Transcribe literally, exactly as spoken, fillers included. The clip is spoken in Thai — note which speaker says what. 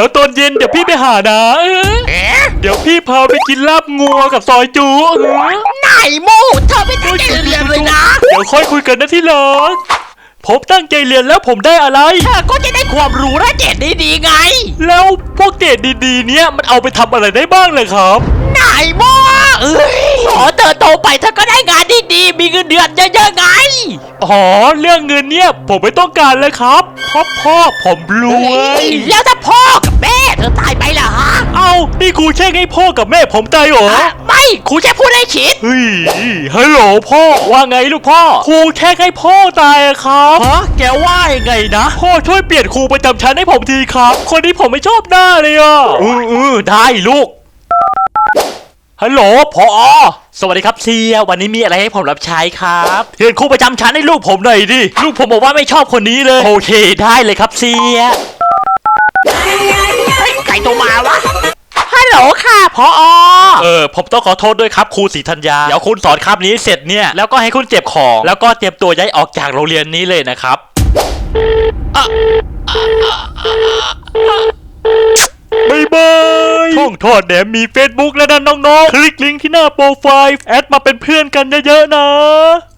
Speaker 1: ยวตอนเย็นเดี๋ยวพี่ไปหานะเออ
Speaker 2: เอ๊ะ
Speaker 1: เดี๋ยวพี่พาไปกินลาบงัวกับซอยจูเออ
Speaker 2: ไหนโมเธอไม่ตั้งใจเรียนเลยนะ
Speaker 1: เดี๋ยวค่อยคุยกันนะที่รักผมตั้งใจเรียนแล้วผมได้อะไร
Speaker 2: เธอก็จะได้ความรู้และเกรดดีๆไง
Speaker 1: แล้วพวกเกรดดีๆเนี้ยมันเอาไปทำอะไรได้บ้างเลยครับ
Speaker 2: ไหนโมเอ้ยขอเธอโตไปเธอก็ได้งานดีๆมีเงินเดือนเยอะๆไง
Speaker 1: อ๋อเรื่องเงินเนี่ยผมไม่ต้องการเลยครับเพราะพ่อผมรวย
Speaker 2: แล้วถ้าพ่อกับแม่เธอตายไปล่ะฮะ
Speaker 1: เอานี่ครูแช่งให้พ่อกับแม่ผมตายเหรอ
Speaker 2: อ่ะไม่ครูแค่พูดให้คิด
Speaker 1: เฮ้ยฮัลโหลพ่อว่าไงลูกพ่อครูแช่งให้พ่อตายอะครับ
Speaker 2: ฮะแกว่ายังไงนะ
Speaker 1: พ่อช่วยเปลี่ยนครูประจำชั้นให้ผมทีครับ คนนี้ผมไม่ชอบหน้าเลยอ่ะอืออือได้ลูกฮัลโหลพอสวัสดีครับเซียวันนี้มีอะไรให้ผมรับใช้ครับเปลี่ยนครูประจำชั้นให้ลูกผมหน่อยดิลูกผมบอกว่าไม่ชอบคนนี้เลยโอเคได้เลยครับเซีย
Speaker 2: เฮ้ยใครโทรมาวะ ฮัลโหลค่ะพอ
Speaker 1: เออผมต้องขอโทษด้วยครับครูศรีธัญญาเดี๋ยวคุณสอนคาบนี้เสร็จเนี่ยแล้วก็ให้คุณเจ็บของแล้วก็เตรียมตัวย้ายออกจากโรงเรียนนี้เลยนะครับบายบายช่องทอดแหนมมี Facebook แล้วนะน้องๆคลิกลิงก์ที่หน้าโปรไฟล์แอดมาเป็นเพื่อนกันเยอะๆนะ